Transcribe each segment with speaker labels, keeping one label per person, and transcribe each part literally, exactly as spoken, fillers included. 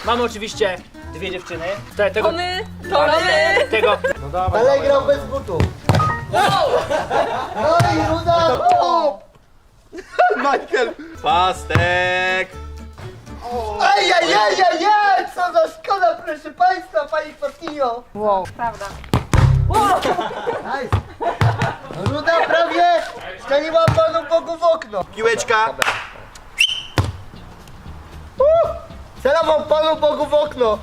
Speaker 1: Mamy oczywiście dwie dziewczyny. Te, tego,
Speaker 2: To my, to my.
Speaker 1: tego.
Speaker 3: No dawaj,
Speaker 4: Ale
Speaker 3: dawaj.
Speaker 4: grał bez butów. No i Ruda!
Speaker 3: Michael! Pastek!
Speaker 4: Ajajajajaj! Co za szkoda, proszę państwa, pani Fatinio!
Speaker 2: Prawda.
Speaker 4: Nice. Ruda prawie strzeliła panu Bogu w okno.
Speaker 3: Piłeczka!
Speaker 4: Celował panu Bogu w okno.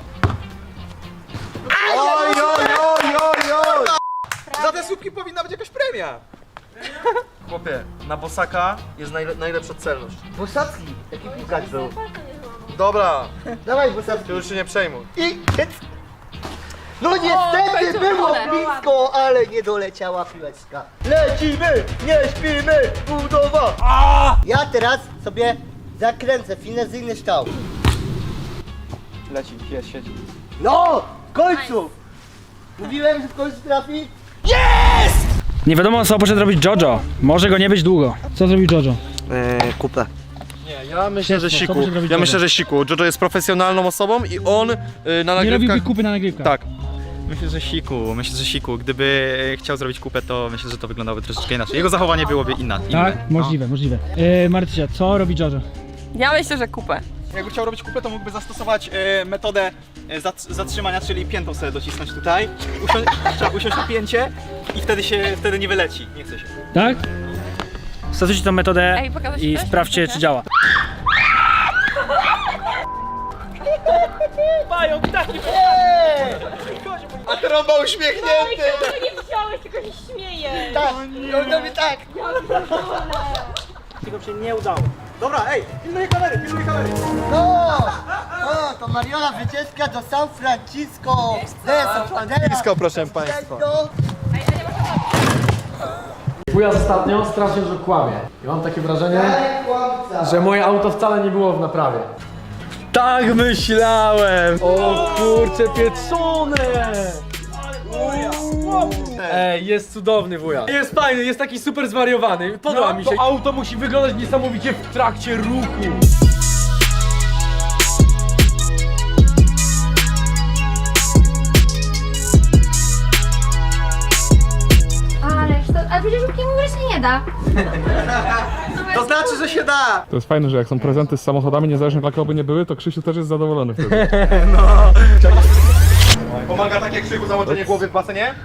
Speaker 3: Oj, oj, oj, oj, oj! Za te słupki powinna być jakaś premia! Chłopie, na bosaka jest najle najlepsza celność.
Speaker 4: Bosacki, taki piłkarz był.
Speaker 3: Dobra,
Speaker 4: Dawaj Bosacki.
Speaker 3: ty już się nie przejmuj.
Speaker 4: I... No niestety
Speaker 2: końcu
Speaker 4: było
Speaker 2: pole.
Speaker 4: blisko, ale nie doleciała piłeczka. Lecimy, nie śpimy, budowa! Ja teraz sobie zakręcę finezyjny ształ.
Speaker 3: Leci, jest, siedzi.
Speaker 4: No, w końcu! Mówiłem, że w końcu trafi.
Speaker 1: Nie wiadomo co poszedł robić Jojo. Może go nie być długo. Co zrobił Jojo?
Speaker 4: Eee, kupę.
Speaker 3: Nie, ja myślę, że
Speaker 1: Co
Speaker 3: Siku.
Speaker 1: będzie robić
Speaker 3: Ja
Speaker 1: Jojo?
Speaker 3: myślę, że Siku. Jojo jest profesjonalną osobą i on y, na
Speaker 1: Nie
Speaker 3: nagrywkach...
Speaker 1: robiłby kupy na nagrywkach.
Speaker 3: Tak.
Speaker 5: Myślę, że Siku, myślę, że Siku. Gdyby chciał zrobić kupę, to myślę, że to wyglądałoby troszeczkę inaczej. Jego zachowanie byłoby inna, inne.
Speaker 1: Tak? Możliwe, możliwe. E, Martysia, co robi Jojo?
Speaker 2: Ja myślę, że kupę.
Speaker 5: Jakby chciał robić kupę, to mógłby zastosować e, metodę e, zat- zatrzymania, czyli piętą sobie docisnąć tutaj. Usią- trzeba usiąść na pięcie i wtedy się, wtedy nie wyleci, nie chce się.
Speaker 1: Tak? Stosujcie tą metodę
Speaker 2: Ej, pokażesz
Speaker 1: i
Speaker 2: też?
Speaker 1: sprawdźcie, czy działa. Mają ptaki!
Speaker 3: A trąba uśmiechnięty!
Speaker 2: nie wziąłeś, tylko się śmieję.
Speaker 4: Tak, on robi tak.
Speaker 1: Tylko się nie udało.
Speaker 3: Dobra, ej, pilnuj kamery, pilnuj kamery!
Speaker 4: No! O, to Mariola wycieczka do San Francisco. De San Francisco,
Speaker 3: proszę państwa.
Speaker 6: Wujas ostatnio strasznie dużo kłamie. I mam takie wrażenie, że moje auto wcale nie było w naprawie. Tak myślałem! O kurcze pieczone! Ej, jest cudowny wuja. Jest fajny, jest taki super zwariowany. Podoba mi się. To auto musi wyglądać niesamowicie w trakcie ruchu.
Speaker 7: Ale to, ale przecież żółtki w ogóle się nie da.
Speaker 3: To znaczy, że się da!
Speaker 8: To jest fajne, że jak są prezenty z samochodami, niezależnie dla kogo by nie były, to Krzysiu też jest zadowolony wtedy.
Speaker 3: Pomaga takie krzyku zamoczenie głowy w basenie?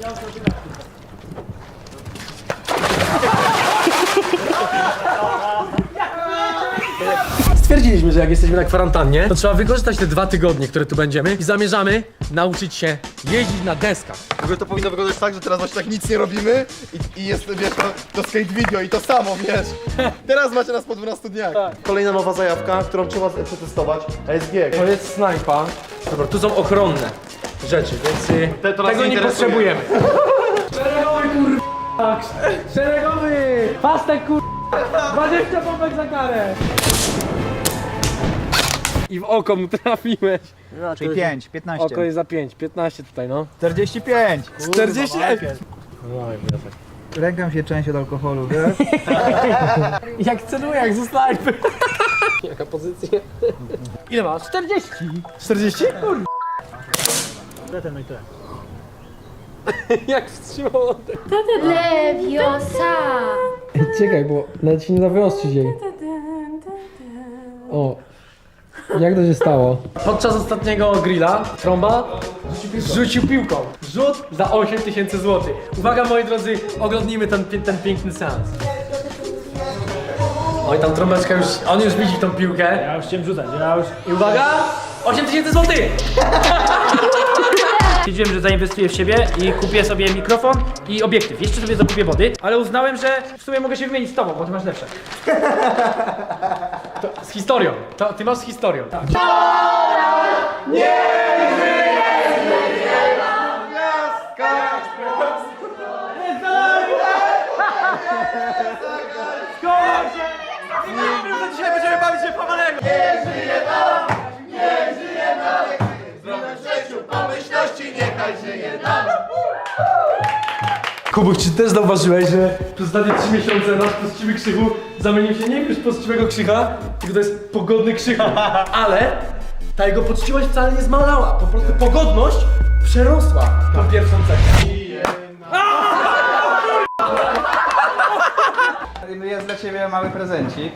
Speaker 6: Stwierdziliśmy, że jak jesteśmy na kwarantannie, to trzeba wykorzystać te dwa tygodnie, które tu będziemy i zamierzamy nauczyć się jeździć na deskach.
Speaker 3: W ogóle to powinno wyglądać tak, że teraz właśnie tak nic nie robimy i, i jest, wiesz, to, to skate video i to samo, wiesz. Teraz macie nas po dwunastu dniach. Kolejna nowa zajawka, którą trzeba przetestować. A jest bieg.
Speaker 6: To jest snajpa. Dobra, tu są ochronne rzeczy, więc y,
Speaker 3: Te to nas
Speaker 6: tego
Speaker 3: nie
Speaker 6: nie
Speaker 3: interesuje.
Speaker 6: potrzebujemy. Szeregowy kur... Szeregowy! Pastek kur... dwadzieścia pompek za karę! I w oko mu trafiłeś.
Speaker 4: Czyli pięć, piętnaście.
Speaker 6: Oko jest za pięć, piętnaście tutaj no.
Speaker 4: czterdzieści pięć.
Speaker 6: czterdzieści...
Speaker 4: Ręka się część od alkoholu, wiesz?
Speaker 6: Jak celuję, jak ze snajpy. Jaka pozycja? Ile masz? czterdzieści. czterdzieści? Kurde.
Speaker 1: No i tyle.
Speaker 6: Jak wstrzymał oddech.
Speaker 7: Lewiosa.
Speaker 6: Czekaj, bo nawet się nie da wyostrzyć jej. O. Jak to się stało? Podczas ostatniego grilla trąba rzucił piłką. Rzut za osiem tysięcy złotych. Uwaga moi drodzy, oglądnijmy ten, pi- ten piękny seans. Oj, tam trąbeczka już, on już widzi tą piłkę.
Speaker 1: Ja już chciałem rzucać, ja już...
Speaker 6: I uwaga, osiem tysięcy złotych!
Speaker 1: Stwierdziłem, że zainwestuję w siebie i kupię sobie mikrofon i obiektyw. Jeszcze sobie zakupię wody, ale uznałem, że w sumie mogę się wymienić z tobą, bo ty masz lepsze.
Speaker 6: To z historią, to, ty masz z historią. Tak.
Speaker 3: Dzisiaj będziemy bawić się w Pawalego!
Speaker 6: Kubuś, czy też zauważyłeś, że przez ostatnie trzy miesiące nasz pościwy Krzychu zamienił się nie już pościwego Krzycha, tylko to jest pogodny Krzychu, ale Ta jego poczciwość wcale nie zmalała, po prostu pogodność przerosła tą pierwszą cechę.
Speaker 5: Jest dla ciebie mały prezencik.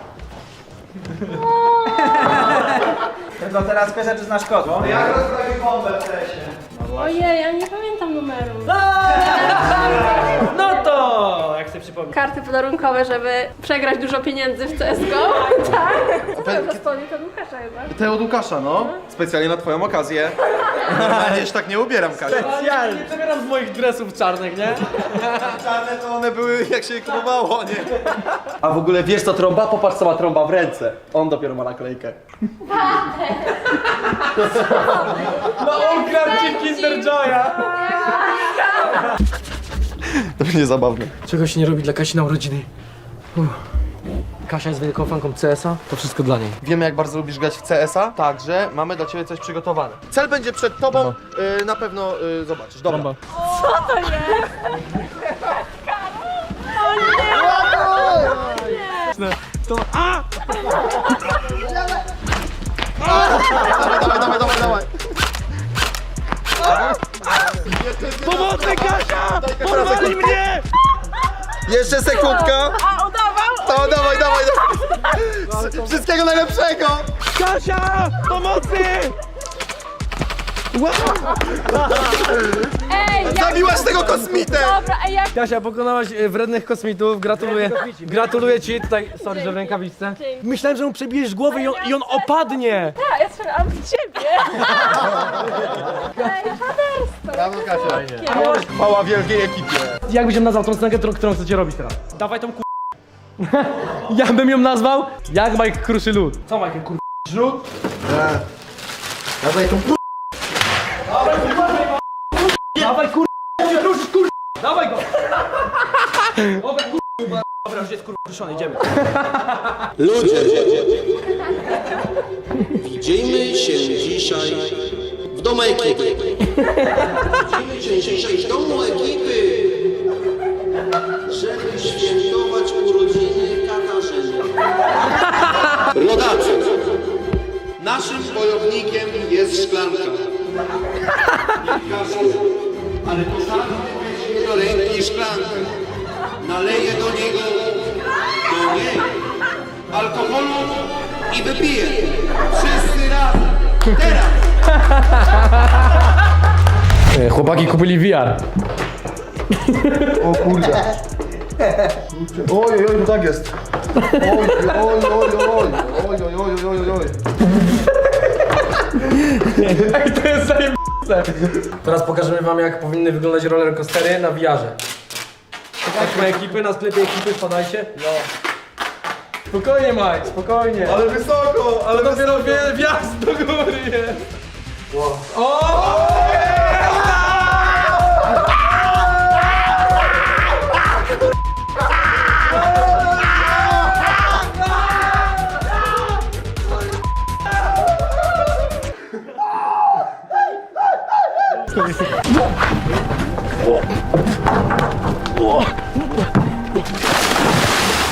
Speaker 5: Tylko teraz pyszę, czy znasz kod. Jak rozprawi bombę w lesie?
Speaker 7: Ojej, ja nie pamiętam numeru.
Speaker 1: No to, jak sobie przypomnę.
Speaker 7: Karty podarunkowe, żeby przegrać dużo pieniędzy w C S G O. Tak. Co to za spodnie? To Łukasza chyba.
Speaker 3: Te od Łukasza, no. Specjalnie na twoją okazję. Normalnie się tak nie ubieram, Kasia.
Speaker 6: Ja nie przebieram z moich dresów czarnych, nie?
Speaker 3: Czarne to one były jak się je kupowało, nie? A w ogóle wiesz co trąba? Popatrz co ma trąba w ręce. On dopiero ma naklejkę.
Speaker 6: No ukradł ci Kinder Joya!
Speaker 3: To będzie zabawne.
Speaker 6: Czego się nie robi dla Kasi na urodziny? Uff. Kasia jest wielką fanką C S a, to wszystko dla niej.
Speaker 3: Wiemy jak bardzo lubisz grać w C S a, także mamy dla ciebie coś przygotowane. Cel będzie przed tobą, y, na pewno y, zobaczysz. Dobra.
Speaker 8: Trąba.
Speaker 2: Co to jest?
Speaker 3: Dawaj, dawaj, dawaj, dawaj.
Speaker 6: Pomocy, Kasia!
Speaker 3: Porwali mnie! Jeszcze sekundka.
Speaker 2: A, udawał?
Speaker 3: To dawaj, dawaj, dawaj. Wszystkiego najlepszego.
Speaker 6: Kasia! Pomocy!
Speaker 7: Ej, jak...
Speaker 3: Zabiłaś tego kosmitę.
Speaker 7: Dobra, ej, jak...
Speaker 6: Kasia, pokonałaś e, wrednych kosmitów, gratuluję. Gratuluję ci, tutaj, sorry, że w rękawiczce. Myślałem, że mu przebijesz głowę i on, i on opadnie.
Speaker 2: Ja, ja strzelam w ciebie.
Speaker 7: Ej, haderstwo.
Speaker 3: Brawo, Kasia. Chwała wielkiej ekipie.
Speaker 6: Jak byś ją nazwał tą scenkę, którą, którą chcecie robić teraz?
Speaker 1: Dawaj tą ku...
Speaker 6: Ja bym ją nazwał jak Mike kruszy lód.
Speaker 1: Co Michael kur...
Speaker 3: Rzut. Dawaj tą p***.
Speaker 1: Dawaj kur... Nie ruszysz kur... Dawaj go! Dobra kur... Dobra, już jest kur... ruszony, idziemy.
Speaker 9: Ludzie, widzimy się dzisiaj w domu ekipy. Widzimy się dzisiaj w domu ekipy, żeby świętować urodziny Katarzyny. Rodacy, naszym wojownikiem jest szklanka. Nie każdy, ale to każdy weźmie do ręki szklankę. Naleje do niego, do niej, alkoholu i wypije. Wszyscy razem. Teraz.
Speaker 6: E, Chłopaki kupili V R.
Speaker 3: O kurde. Oj, oj, oj, tak jest. Oj, oj, oj, oj, oj, oj, oj, oj, oj, oj.
Speaker 6: Ej, to jest zajebiste. Teraz pokażemy wam, jak powinny wyglądać roller coastery na V R-ze. Chodźmy ekipy, na sklepie ekipy, wpadajcie. No. Spokojnie, Mike, spokojnie.
Speaker 3: Ale wysoko, ale
Speaker 6: To dopiero wie- wjazd do góry jest. O!